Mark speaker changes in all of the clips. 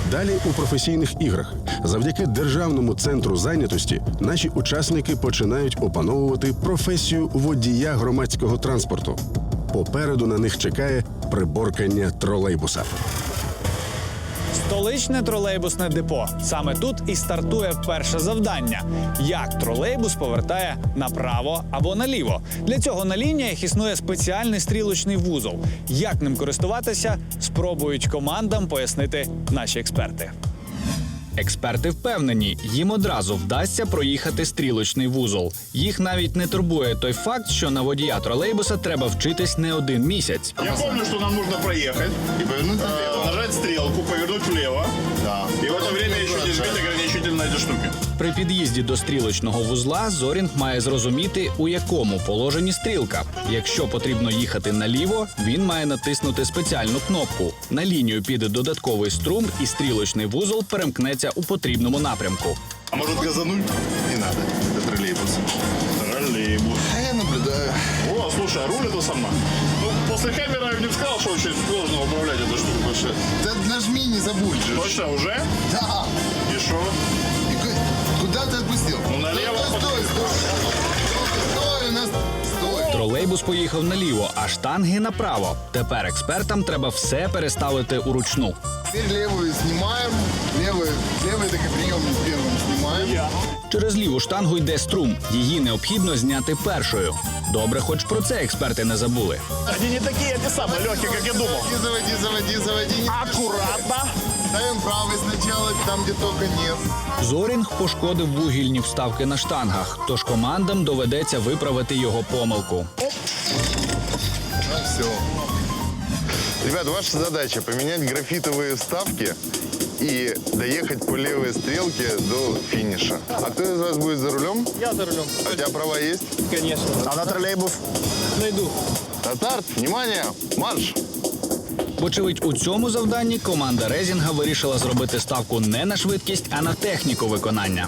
Speaker 1: Далі у професійних іграх. Завдяки Державному центру зайнятості наші учасники починають опановувати професію водія громадського транспорту. Попереду на них чекає приборкання тролейбуса.
Speaker 2: Столичне тролейбусне депо. Саме тут і стартує перше завдання. Як тролейбус повертає направо або наліво. Для цього на лініях існує спеціальний стрілочний вузол. Як ним користуватися, спробують командам пояснити наші експерти. Експерти впевнені, їм одразу вдасться проїхати стрілочний вузол. Їх навіть не турбує той факт, що на водія тролейбуса треба вчитись не один місяць.
Speaker 3: Я помню, что нам нужно проехать,
Speaker 4: И повернуть налево.
Speaker 3: нажать стрелку, повернуть влево.
Speaker 4: Да.
Speaker 3: И в это время еще не жмите ограничитель на эти штуки.
Speaker 2: При під'їзді до стрілочного вузла Зорінг має зрозуміти, у якому положенні стрілка. Якщо потрібно їхати наліво, він має натиснути спеціальну кнопку. На лінію піде додатковий струм, і стрілочний вузол перемкнеться у потрібному напрямку.
Speaker 3: А может газануть?
Speaker 4: Не надо. Это троллейбус.
Speaker 3: Троллейбус.
Speaker 4: А я наблюдаю.
Speaker 3: О, слушай, а руль это сама. Ну, после камеры я бы не сказал, что очень сложно управлять этой штукой.
Speaker 4: Да нажми, не забудь же.
Speaker 3: Точно, уже?
Speaker 4: Да.
Speaker 3: И что?
Speaker 4: И куда ты отпустил?
Speaker 3: Ну, налево.
Speaker 4: Стой, стой, у нас... Стой.
Speaker 2: Тролейбус поїхав наліво, а штанги направо. Тепер експертам треба все переставити уручну.
Speaker 4: Теперь левую снимаем. Левый такой приемник первым снимаем.
Speaker 2: Через ліву штангу йде струм. Її необхідно зняти першою. Добре, хоч про це експерти не забули.
Speaker 3: Они не такие, эти самые легкие, как я думал.
Speaker 4: Заводи.
Speaker 3: Аккуратно.
Speaker 4: Ставим правый сначала, там, где только нет.
Speaker 2: Зорінг пошкодив вугільні вставки на штангах, тож командам доведеться виправити його помилку.
Speaker 4: Ну все. Ребят, ваша задача поменять графитовые вставки и доехать по левой стрелке до финиша. А кто из вас будет за рулем?
Speaker 5: Я за рулем.
Speaker 4: А у тебя права есть?
Speaker 5: Конечно.
Speaker 4: А на троллейбус?
Speaker 5: Найду.
Speaker 4: Татар, внимание, марш!
Speaker 2: Вочевидь, у цьому завданні команда Резінга вирішила зробити ставку не на швидкість, а на техніку виконання.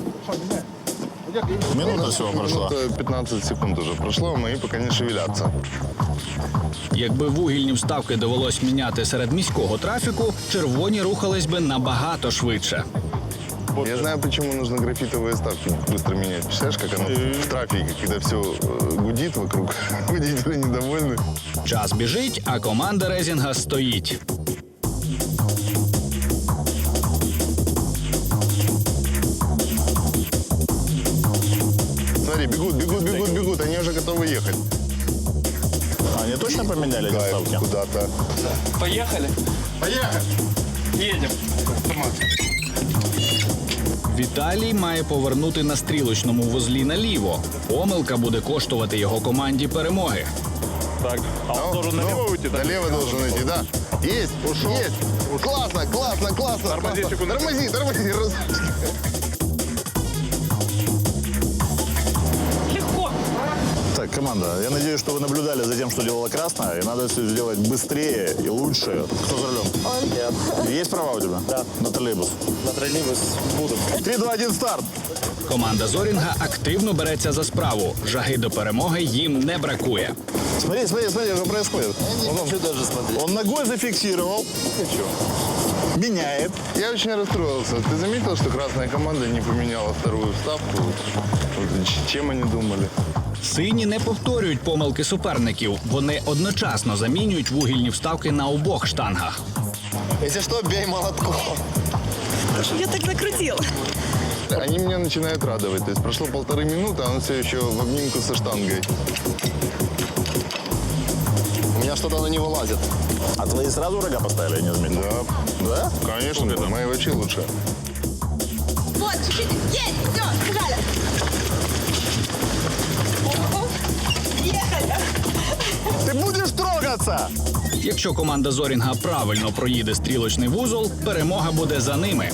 Speaker 3: Минута всего прошла.
Speaker 4: 15 секунд уже прошло, мои пока не шевелятся.
Speaker 2: Якби вугільні вставки довелось міняти серед міського трафіку, червоні рухались би набагато швидше.
Speaker 4: Я знаю, почему нужно графитовые вставки быстро менять. Представляешь, как оно в трафике, когда все гудит вокруг, водители недовольны.
Speaker 2: Час біжить, а команда Резінга стоїть.
Speaker 4: Смотри, бегут, они уже готовы ехать.
Speaker 3: Они точно поменяли эти
Speaker 4: Кайф,
Speaker 3: вставки?
Speaker 4: куда-то.
Speaker 5: Поехали?
Speaker 4: Поехали!
Speaker 5: Едем.
Speaker 2: Віталій має повернути на стрілочному вузлі наліво. Помилка буде коштувати його команді перемоги.
Speaker 3: Так, а он должен налево уйти, да?
Speaker 4: Налево должен идти, да. Есть, ушел. Есть. Классно.
Speaker 3: Тормози секунду.
Speaker 4: Тормози.
Speaker 5: Легко.
Speaker 6: Так, команда, я надеюсь, что вы наблюдали за тем, что делала красная, и надо все сделать быстрее и лучше. Кто за рулем?
Speaker 5: Он.
Speaker 6: Есть права у тебя?
Speaker 5: Да.
Speaker 6: На троллейбус.
Speaker 5: На троллейбус буду.
Speaker 6: 3, 2, 1, старт!
Speaker 2: Команда Зорінга активно береться за справу. Жаги до перемоги їм не бракує.
Speaker 6: Смотри, что происходит.
Speaker 4: Не хочу даже смотреть.
Speaker 6: Он ногой зафиксировал. Меняет.
Speaker 4: Я очень расстроился. Ты заметил, что красная команда не поменяла вторую вставку? Вот чем они думали?
Speaker 2: Сині не повторюють помилки суперників. Вони одночасно замінюють вугільні вставки на обох штангах.
Speaker 4: Если что, бей молотком.
Speaker 7: Я так накрутила.
Speaker 4: Они меня начинают радовать. То есть прошло 1,5 минуты, а он все еще в обнимку со штангой.
Speaker 6: У меня что-то на него лазит. А твои сразу рога поставили, я не заметил?
Speaker 4: Да.
Speaker 6: Да?
Speaker 4: Конечно, мои вообще лучше.
Speaker 7: Вот, чуть-чуть. Есть, все, побежали. Ехали.
Speaker 6: Ты будешь трогаться!
Speaker 2: Якщо команда Зорінга правильно проїде стрілочний вузол, перемога буде за ними.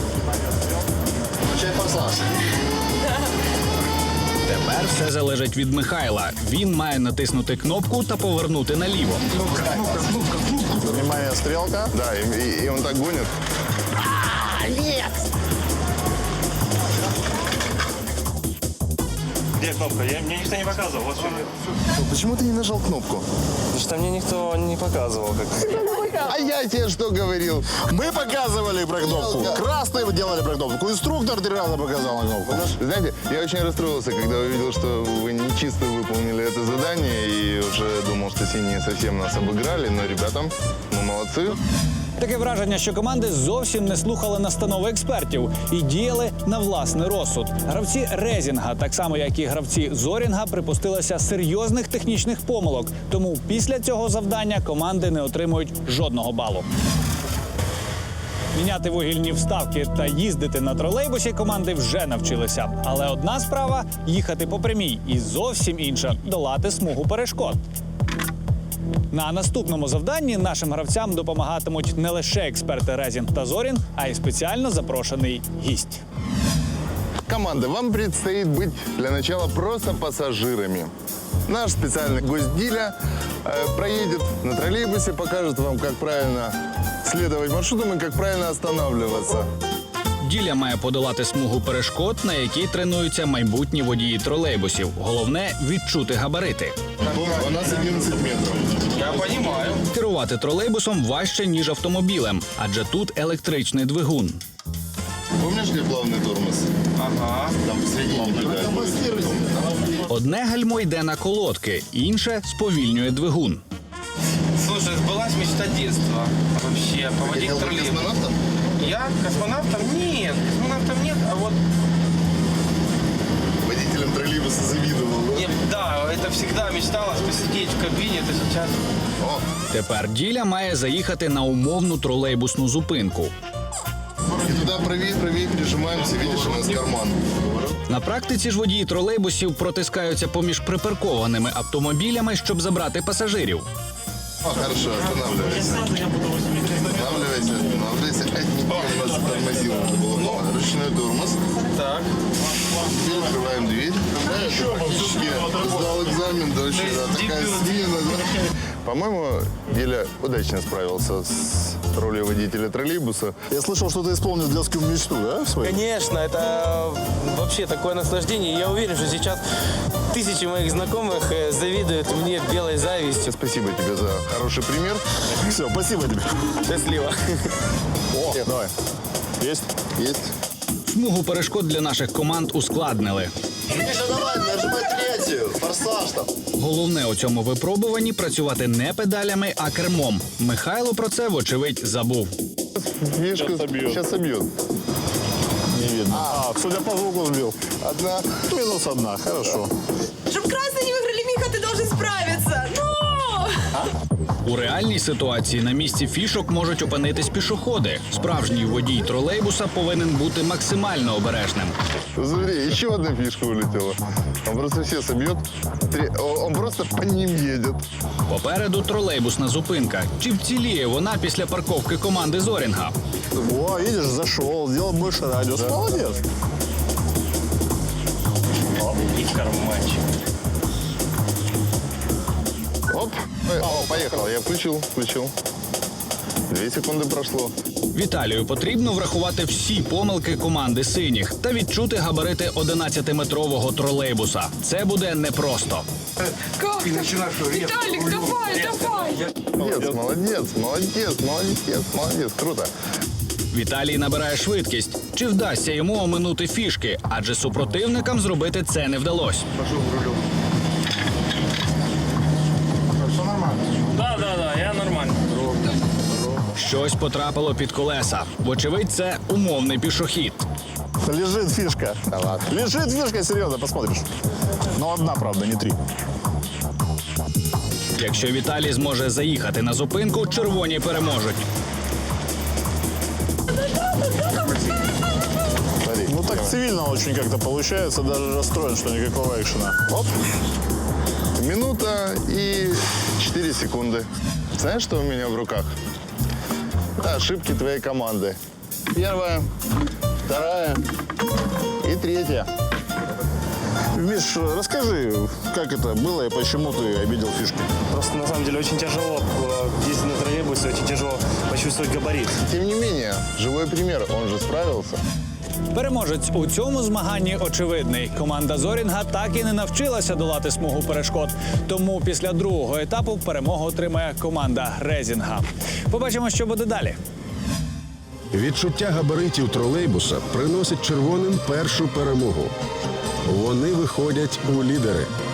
Speaker 2: Тепер все залежить від Михайла. Він має натиснути кнопку та повернути наліво.
Speaker 6: Внимание, стрелка.
Speaker 4: Да, и он так гонит.
Speaker 5: Где кнопка? Мне никто не показывал. Вот что.
Speaker 4: Почему ты не нажал кнопку?
Speaker 5: Потому что мне никто не показывал.
Speaker 4: А я тебе что говорил?
Speaker 6: Мы показывали про кнопку. Красные делали про кнопку. Инструктор 3 раза показал на кнопку.
Speaker 4: Знаете, я очень расстроился, когда увидел, что вы не чисто выполнили это задание, и уже думал, что синие совсем нас обыграли, но, ребята, мы молодцы.
Speaker 2: Таке враження, що команди зовсім не слухали настанови експертів і діяли на власний розсуд. Гравці Резінга, так само як і гравці Зорінга, припустилися серйозних технічних помилок. Тому після цього завдання команди не отримують жодного балу. Міняти вугільні вставки та їздити на тролейбусі команди вже навчилися. Але одна справа – їхати по прямій, і зовсім інша – долати смугу перешкод. На наступному завданні нашим гравцям допомагатимуть не лише експерти Резінг та Зорінг, а й спеціально запрошений гість.
Speaker 4: Команда, вам предстоит быть для начала просто пассажирами. Наш специальный гость Диля проедет на троллейбусе, покажет вам, как правильно следовать маршрутам и как правильно останавливаться.
Speaker 2: Діля має подолати смугу перешкод, на якій тренуються майбутні водії тролейбусів. Головне – відчути габарити.
Speaker 4: У нас 11 метров.
Speaker 5: Я понимаю.
Speaker 2: Керувати тролейбусом важче, ніж автомобілем, адже тут електричний двигун.
Speaker 4: Помнишь, где плавный тормоз?
Speaker 5: Ага.
Speaker 4: Там посередине.
Speaker 2: Одне гальмо йде на колодки, інше сповільнює двигун.
Speaker 5: Слушай, сбылась мечта детства. Вообще, поводить троллейбус.
Speaker 4: Космонавтом?
Speaker 5: Я космонавтом? Нет, космонавтом нет, а вот...
Speaker 4: Водителям троллейбуса завидовал.
Speaker 5: Нет, да, это всегда мечталось посидеть в кабине, это сейчас...
Speaker 2: Тепер Діля має заїхати на умовну тролейбусну зупинку.
Speaker 4: И туда правее прижимаемся, видишь, у нас карман.
Speaker 2: На практиці ж водії тролейбусів протискаються поміж припаркованими автомобілями, щоб забрати пасажирів.
Speaker 4: Хорошо, останавливайся. Останавливайся. У нас тормозил надо было. Ручной тормоз.
Speaker 5: Так.
Speaker 4: Теперь открываем дверь. Сдал экзамен, дочь, такая смена. По-моему, Диля удачно справился с ролью водителя троллейбуса.
Speaker 6: Я слышал, что ты исполнил детскую мечту, да, свою?
Speaker 5: Конечно, это вообще такое наслаждение. Я уверен, что сейчас тысячи моих знакомых завидуют мне белой завистью.
Speaker 4: Спасибо тебе за хороший пример.
Speaker 6: Все, спасибо тебе.
Speaker 5: Счастливо.
Speaker 6: О, давай. Есть?
Speaker 4: Есть.
Speaker 2: Смугу перешкод для наших команд ускладнили.
Speaker 6: Миша, давай, нажимай третью. Форсаж там.
Speaker 2: Головне у цьому випробуванні – працювати не педалями, а кермом. Михайло про це, вочевидь, забув.
Speaker 4: Мишка сейчас собьет.
Speaker 6: Не видно. Судя по звуку сбил.
Speaker 4: Одна.
Speaker 6: Минус 1, хорошо.
Speaker 7: Чтоб красные не выиграли, Миха, ты должен справиться. Ну!
Speaker 2: У реальній ситуації на місці фішок можуть опинитись пішоходи. Справжній водій тролейбуса повинен бути максимально обережним.
Speaker 4: Смотри, еще одна фишка улетела. Он просто все собьет. Он просто по ним едет.
Speaker 2: Попереду тролейбусна зупинка. Чи вціліє вона після парковки команди Зорінга?
Speaker 6: О, видишь, зашел, сделал больше радиус. Молодец.
Speaker 5: И карманчик.
Speaker 4: Оп. О, поехал. Я включил. 2 секунды прошло.
Speaker 2: Віталію потрібно врахувати всі помилки команди синіх та відчути габарити 11-метрового тролейбуса. Це буде непросто.
Speaker 7: Как? Виталик, давай!
Speaker 4: Молодец. Круто.
Speaker 2: Віталій набирає швидкість. Чи вдасться йому оминути фішки? Адже супротивникам зробити це не вдалося.
Speaker 5: Да, я нормально.
Speaker 2: Щось потрапило під колеса. Вочевидь, це умовний пішохід.
Speaker 6: Лежит фишка.
Speaker 4: Да ладно.
Speaker 6: Лежит фишка, серьезно, посмотришь. Но одна, правда, не 3.
Speaker 2: Якщо Віталій зможе заїхати на зупинку, червоні переможуть.
Speaker 4: Смотри.
Speaker 6: Ну так цивильно очень как-то получается, даже расстроен, что никакого экшена.
Speaker 4: Оп. Минута и 4 секунды. Знаешь, что у меня в руках? Ошибки твоей команды. 1, 2 и 3.
Speaker 6: Миш, расскажи, как это было и почему ты обидел фишки?
Speaker 8: Просто на самом деле очень тяжело ездить на троллейбусе, очень тяжело почувствовать габарит.
Speaker 4: Тем не менее, живой пример, он же справился.
Speaker 2: Переможець у цьому змаганні очевидний. Команда Зорінга так і не навчилася долати смугу перешкод. Тому після другого етапу перемогу отримає команда Резінга. Побачимо, що буде далі.
Speaker 1: Відчуття габаритів тролейбуса приносить червоним першу перемогу. Вони виходять у лідери.